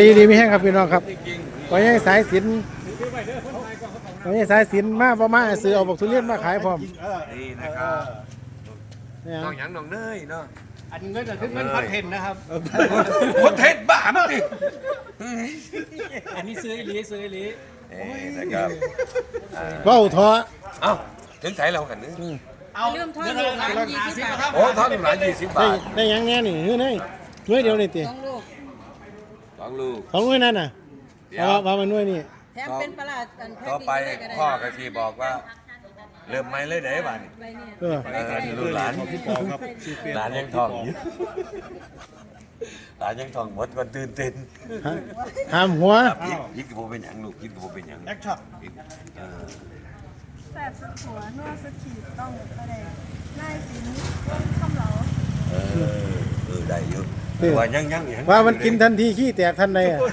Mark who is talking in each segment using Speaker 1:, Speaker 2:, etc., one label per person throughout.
Speaker 1: ดีไม่แห้งครับพี่น้องครับก็ยังสายสินก็ยังสายสินมาประมาณซื้อเอาบอกทุเรียนมาขายพร้อม
Speaker 2: นี่นะครับน้องหยังน้องเนยเนาะ
Speaker 3: อันเงินคือเงินคอนเทนต์นะครับ
Speaker 2: คอนเทนต์บ้ามั้งดิ
Speaker 3: อันนี้ซื้ออีหลี
Speaker 2: นะครับ
Speaker 1: เบ้าท้อ
Speaker 2: เอ้าถึงใส่เรากันนึง
Speaker 4: เอาเริ่มทอดลูกหลาน20 บาท
Speaker 2: โอ้ทอดหลาน20 บาท
Speaker 1: ได้ยังแน่นี่เฮ้ยน้อยเดียวนี่ตี
Speaker 4: 2 ลูก
Speaker 1: ของน้อยนั่นน่ะว่ามันน้อยนี่
Speaker 4: แถมเป็นปลาอันแพ็ค
Speaker 2: ต่อไปพ่อกะทีบอกว่าเริ่มไม่เลยได้บ้าน
Speaker 4: ใบเนี่ย
Speaker 1: เออ
Speaker 2: ลูกหลานหลานยังทองอยู่หลานยังทองหมดก็ตื่นเต้น
Speaker 1: ห้ามหัว
Speaker 2: ยิกกับโบเป็นหยังลูกยิกกับโบเป็นหยัง
Speaker 3: แอคช็อป
Speaker 5: แสบสุดหัวนวดสุดขีดต้องประเดกไล่สินคำเหลา
Speaker 2: ได้เยอะว่ายัง
Speaker 1: ว่ามันกินทันทีขี้แตกทันใดอ่ะ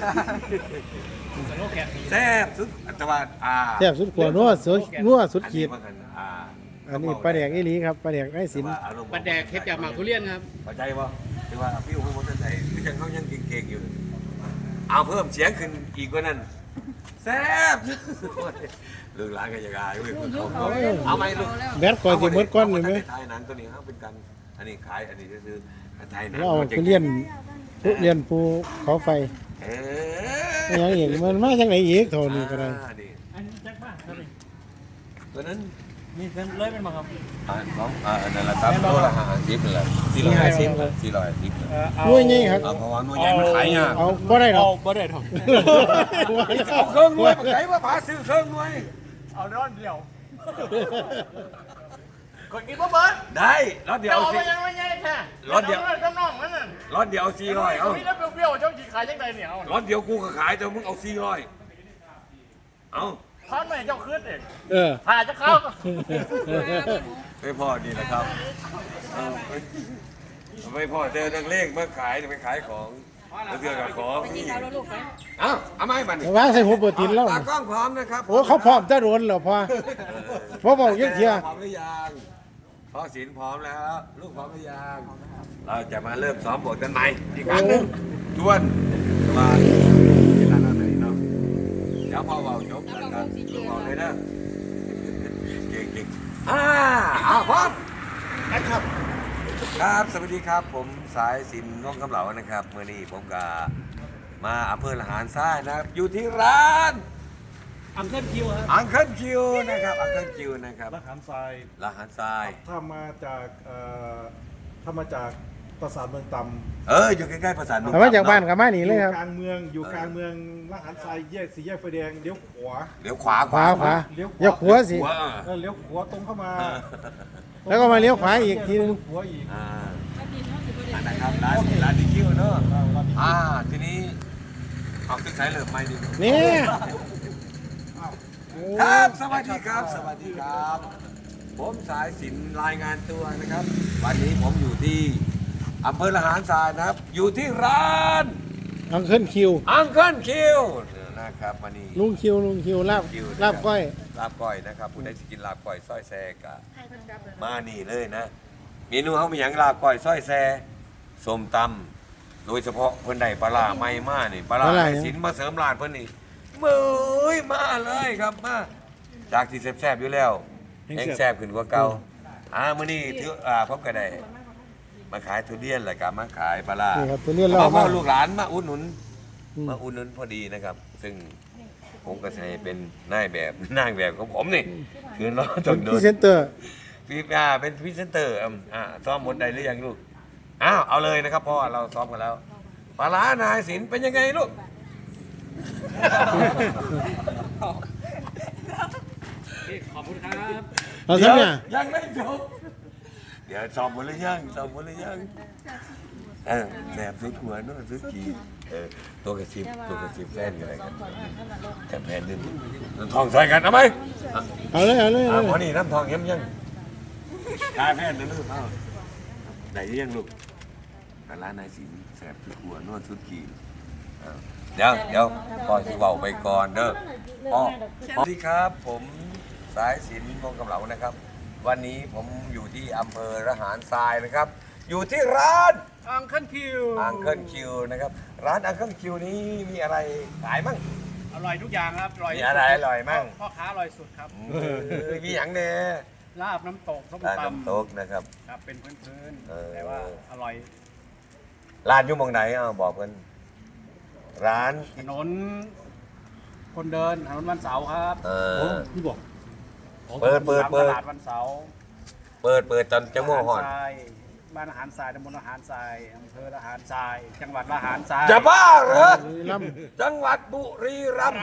Speaker 2: แซ่บสุดแต่ว่า
Speaker 1: แซ่บสุดขวนัวสุดขีดอันนี้ปลาแดกอีหลีครับปลาแดกไร้สิน
Speaker 3: ปลาแดกเฮ็ดจากหมากทุเรียนครับ
Speaker 2: เข้าใจป่ะคือว่าพี่อุ้งมันจะใส่คือยังเขายังเก่งๆอยู่เอาเพิ่มเสียงขึ้นอีกกว่านั้นแซ่บลูกหลานก็ยังอายเว้ยเอาไหมลูก
Speaker 1: แบดก่อนสิหมดก้อนนี่ไหม
Speaker 2: ไทยหนังตัวนี้เขาเป็นกันอันนี้ขายอันนี้ซื้อไทยหนัง
Speaker 1: เราเอาทุเรียนภูเขาไฟอย่างอีกมันมาจากไหนอีกโทนี่ก็ได้
Speaker 3: อันนี้แจ็คบ้าครับ
Speaker 2: ตัวนั้น
Speaker 3: มีเงินเลยเป็นมาครับ
Speaker 2: นั่นแหละครับโลละ50นั่นแหละ450
Speaker 1: น้วยนี่ครับ
Speaker 2: เพราะว่าหน่วยใหญ่มันขายยาก
Speaker 1: เอาบ่ได้หรอก
Speaker 3: บ่ได้ทอง
Speaker 2: เอาเครื่องหน่วยมาขายว่าผาซื้อเครื่องหน่วย
Speaker 3: เอาร้อนเดียวคนกินบ่เบิร์ด
Speaker 2: ได้รถเดียว
Speaker 3: เอา
Speaker 2: สิ
Speaker 3: ไปยังไม่ใช่แค่
Speaker 2: รถเดียว
Speaker 3: ข้างนอกนั่นน่ะ
Speaker 2: รถเดียว400เอา
Speaker 3: มีแล้วเปรี้ยวๆเจ้าจีขายยังไงเนี่ยเอา
Speaker 2: รถเดียวกูก็ขายแต่มึงเอา400เอา
Speaker 3: ทานใหม่เจ้าคืนเอง
Speaker 1: เออ
Speaker 3: ถ่ายจะเข้า
Speaker 2: ไม่พอดีนะครับไม่พอเจอนักเลงมาขายไปขายของแล้วเจอกับของ
Speaker 4: ไปกินข้าวแล้วลูกไป
Speaker 2: เอาไม้มัน
Speaker 1: ว่าใส่หัวเปิดตินแล้ว
Speaker 2: ตากล้องพร้อมนะครับ
Speaker 1: โอ้เขาพร้อมจะโดนเหรอพ่อพ่อบอกยังเทีย
Speaker 2: พร้อมหรือยังพ่อศิลป์พร้อมแล้วลูกพร้อมหรือยังเราจะมาเริ่มซ้อมบทกันใหม่อีกครั้งหนึ่งทวนมาที่ร้านอาหารเนาะเดี๋ยวพ่อเบาจบกันครับลูกเบาเลยนะเก่งพร้อมครับสวัสดีครับผมสายสินน้องกำเหลานะครับเมื่อนี้ผมกับมาอำเภอละหารทรายนะครับอยู่ที่ร้าน
Speaker 3: อังเคิลคิวครับ
Speaker 2: อังเคิลคิวนะครับอังเคิลคิวนะครับ
Speaker 6: ละหารทราย
Speaker 2: ละหารทราย
Speaker 6: ถ้ามาจากปราสาทเมืองตำ
Speaker 2: อยู่ใกล้ๆประสาน
Speaker 1: แต่ว่าจากบ้านกับมาหนีเลยครับ
Speaker 6: กลางเมืองอยู่กลางเมืองละหารทรายแยกสี่แยกไฟแดงเลี้ยวขวา
Speaker 2: เลี้ยวขวา
Speaker 1: ขวาอย่าขวาสิ
Speaker 6: เลี้ยวขวาตรงเข้ามา
Speaker 1: แล้วก็มาเลี้ยวขวาอีกทีนึง
Speaker 6: เลี้ยวขวาอีก
Speaker 2: นะครับร้านดีคิวเนอะทีนี้เอาขึ้นสายเริ่มไม่ดี
Speaker 1: นี่
Speaker 2: ครับสวัสดีครับสวัสดีครับ ผมสายสินรายงานตัวนะครับ วันนี้ผมอยู่ที่อำเภอละหารทรายนะครับ อยู่ที่ร้าน
Speaker 1: อังเคิลคิว
Speaker 2: อังเคิลคิวนะครับวันนี้
Speaker 1: ลุงคิวลาบก้อย
Speaker 2: ลาบก้อยนะครับผู้ใดสิกินลาบก้อยซอยแซกะมานี่เลยนะเมนูเขามีอย่างลาบก้อยซอยแซส้มตำโดยเฉพาะเพิ่นได้ปลาร้าใหม่มานี่ปลาร้าไอ้สินมาเสริมร้านเพิ่นนี่มือมาเลยครับมาจากที่แซ่บๆอยู่แล้วแห้งแซ่บขึ้นกว่าเก่ามื้อนี้ถือพบก็ได้มาขายทุเรียนแล้วก็มาขายปลาร้า
Speaker 1: นี่ครับตัวนี้เรา
Speaker 2: พ่อลูกหลานมาอุดหนุนพอดีนะครับ ซึ่งผมก็ใช้เป็นนายแบบของผมนี่คือเราต้องโด
Speaker 1: พรี
Speaker 2: น
Speaker 1: เซนเตอร์
Speaker 2: เป็นพรีเซนเตอร์ซ้อมบทใดหรือยังลูกเอาเลยนะครับพ่อเราซ้อมกันแล้วปลาร้านายศิลป์เป็นยังไงลูก
Speaker 3: ขอบคุณครับ
Speaker 1: เราทำเนี่ย
Speaker 2: ยังไม่จบเดี๋ยวซ้อมหมดหรือยังแสบสุดหัวนู่นสุดขีตัวกระซิบแฟนอยู่ไหนกันแต่แฟนนึงทองใส่กันเอาไหม
Speaker 1: เอาเลย
Speaker 2: พอนี่น้ำทองยังกายแพทย์นะลูกไหนยังลูกร้านนายศิลป์แสบสุดหัวนวดสุดขีเดี๋ยวปล่อยสิเบาไปก่อนเด้อสวัสดีครับผมสายศิลป์วงกำเหลานะครับ วันนี้ผมอยู่ที่อำเภอระหารทรายนะครับอยู่ที่ร้าน
Speaker 3: อังเคิลคิว
Speaker 2: อังเคิลคิวนะครับร้านอังเคิลคิวนี้มีอะไรขายมั่ง
Speaker 3: อร่อยทุกอย่างครับอร่อย
Speaker 2: มีอะไรอร่อยมั่ง
Speaker 3: พ่อค้าอร่อยสุดครับ
Speaker 2: มีอย่างเนี่ย
Speaker 3: ลาบน้ำตกส้ม
Speaker 2: ร้าน
Speaker 3: ตำ
Speaker 2: น้ำตกนะครับ
Speaker 3: ครับเป็นพื้น
Speaker 2: เออ
Speaker 3: ๆแต่ว่าอร่อย
Speaker 2: ร้านอยู่หมองไหนเอาบอกกันร้าน
Speaker 3: ถนนคนเดินถนนวันเสาร์ครับ
Speaker 6: พี่บอก
Speaker 2: เปิด
Speaker 3: ตลาดวันเสาร์
Speaker 2: เปิดจนจะโม่หอด
Speaker 3: ทรายบ้านอาหารทรายตำบลอาหารทรายอำเภออาหารทราย จังหวัดอาหารทราย
Speaker 2: จะบ้าเหรอ
Speaker 1: บุรีรัมย์
Speaker 2: จังหวัดบุรีรัมย์
Speaker 3: ร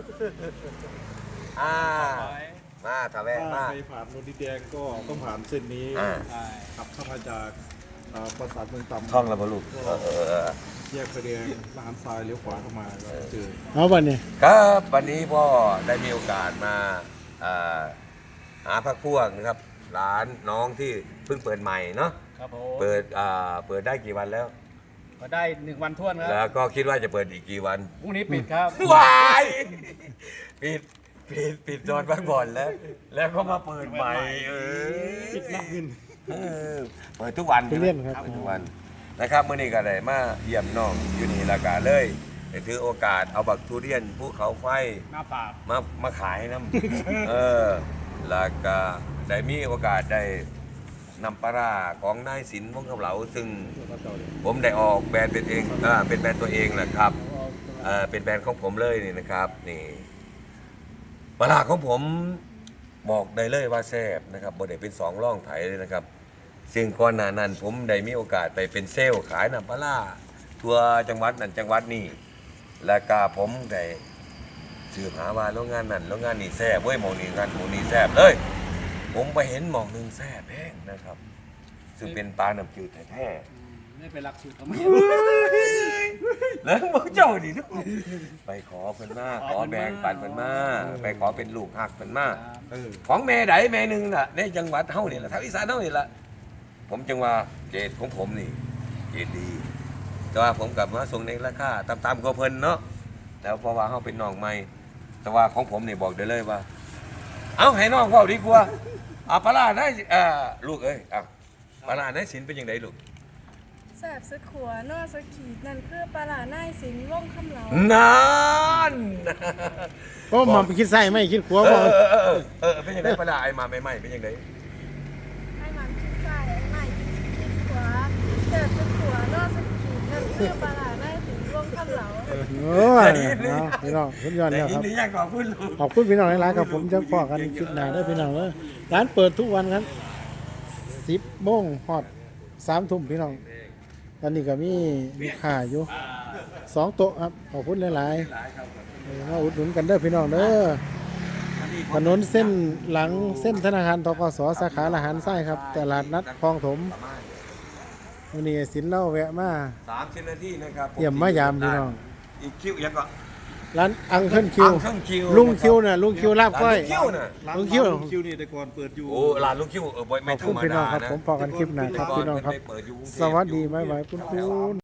Speaker 2: อ่า
Speaker 3: ำ
Speaker 2: มาถ้าแวะ
Speaker 6: ถ้า
Speaker 2: มา
Speaker 6: ใครผ่านนนดินแดงก็ต้องผ่านเส้นนี้
Speaker 2: อ่า
Speaker 3: ใช่
Speaker 6: ขับเข้ามาจากปราสาทเมืองต่ำ
Speaker 2: ท่องแล้วบ่ลูกเออ
Speaker 6: แยกไฟแดงร้านทรายเลี้ยวขวาเข้ามาก็เจอ
Speaker 1: เอาบัดนี้
Speaker 2: ครับวันนี้พ่อได้มีโอกาสมาหาพักพวกนะครับร้านน้องที่เพิ่งเปิดใหม่เนาะ
Speaker 3: ครับผม
Speaker 2: เปิดได้กี่วันแล้ว
Speaker 3: ก็ได้1 วันท้วนค
Speaker 2: แล้
Speaker 3: รับ
Speaker 2: วก็คิดว่าจะเปิดอีกกี่วัน
Speaker 3: พรุ่งนี้ปิดครับ
Speaker 2: วายปิดจอดพักผ่อนแล้วก็มาเปิดใหม่ปิดนักเงินเปิดทุกวัน
Speaker 1: ทุเรียนครับ
Speaker 2: เปิดทุกวันนะครับเมื่อนี้ก็ได้มาเยี่ยมน้องอยู่นี่ละกาเลยได้ถือโอกาสเอาบักทุเรียนภูเขาไฟ
Speaker 3: หน้าฝาก
Speaker 2: มาขายน้ำ แล้วก็ได้มีโอกาสได้นำปลาร้าของนายสินวงศ์คำเหลาซึ่งผมได้ออกแบรนด์เป็นเองเป็นแบรนด์ตัวเองแหละครับเป็นแบรนด์ของผมเลยนี่นะครับนี่ปลาร้าของผมบอกได้เลยว่าแซ่บนะครับบ่ได้เป็นสองร่องไถเลยนะครับ ซึ่งก่อนหน้านั้นผมได้มีโอกาสไปเป็นเซลล์ขายน้ำปลาร้าทั่วจังหวัดนั้นจังหวัดนี้แล้วก็ผมได้สืบหาว่าโรงงานนั้นโรงงานนี้แซ่บเว้ยหมองนี้งานหมองนี้แซ่บเลยผมไปเห็นหมองหนึงแซ่บแห้งนะครับ ซึ่งเป็นปลาน้ำจืดแท้
Speaker 3: ไม่เป็นหลักสูตรเขาไม่
Speaker 2: ๆแล้วบอกเจ้าดิทุกคนไปขอเพิ่นมาขอแบ่งปันเพิ่นมาไปขอเป็นลูกหักเพิ่นมา ของแม่ใดแม่หนึ่งล่ะในจังหวัดเฮานี่ล่ะทางอีสานเฮานี่ล่ะผมจังว่าเกรดของผมนี่เกรดดี แต่ว่าผมกลับมาส่งในราคาตามๆกับเพิ่นเนาะแล้วเพราะว่าเฮาเป็นน้องใหม่แต่ว่าของผมนี่บอกได้เลยว่า เอาให้น้องเว้าดีกว่าปลาร้าได้ลูกเอ้ยปลาร้าได้สินเป็นจังไดลูก
Speaker 5: แสบสุดขัวนอสขีดนั่นคือปลาหลาหน้ายสิงว่องคำเหลา
Speaker 2: นั่น
Speaker 1: ก็มาไปคิดไส้ไม่คิดขัวบ่
Speaker 2: เป็นจังไดปลาร้าไอ้มาใหม่ๆเป็นจังได
Speaker 5: ให้มันคิดซ้ายให้มันคิดขวาแสบสุดขัวนอสขีดนั่นคือปลาหลาหน้ายสิงว่องคำเหลา
Speaker 1: โอ้ยเอาพี่น้องสุดยอด
Speaker 2: แต่
Speaker 1: แล้ว
Speaker 2: ยิ
Speaker 1: คน รับ
Speaker 2: ดีอยากขอบคุณลูก
Speaker 1: ขอบคุณพี่น้องหลายๆครับผมจะพอกันคลิปหน้าได้อพี่น้องเด้อร้านเปิดทุกวันครับ10 โมงฮอด 3 ทุ่มพี่น้องตอนนี้ก็มีค่าอยู่2 โต๊ะครับขอบคุณหลายๆมาอุดหนุนกันเด้อพี่น้องเด้อถนนเส้นหลังเส้นธนาคารธกสสาขาละหารไส้ครับตลาดนัดคลองถมวันนี้สินเล่าแวะมา
Speaker 2: 30 นาทีนะครับ
Speaker 1: เยี่ยมมายามพี่น้อง
Speaker 2: อีกคิวยังก็
Speaker 1: ร้านอังเคิลคิว
Speaker 2: อังเคิลคิว
Speaker 1: ลุงคิวน่ะลุงคิวลาบก้อย
Speaker 2: ลุงคิวน่ะ
Speaker 6: ร้าน
Speaker 1: ลุงคิว
Speaker 6: ลุงคิวนี่แต่ก่อนเปิดอยู่
Speaker 2: โอ้ร้านลุงคิวไม่
Speaker 1: ข
Speaker 2: ธร
Speaker 1: อบ
Speaker 2: รม
Speaker 1: คุณพี่น้
Speaker 2: ดา
Speaker 1: องครับ
Speaker 2: นะ
Speaker 1: ผมพอกันคลิปหน้าครับพี่น้องครับ
Speaker 2: เปิดอยู่กรุงเทพ
Speaker 1: สวัสดีบ๊ายบายคุณ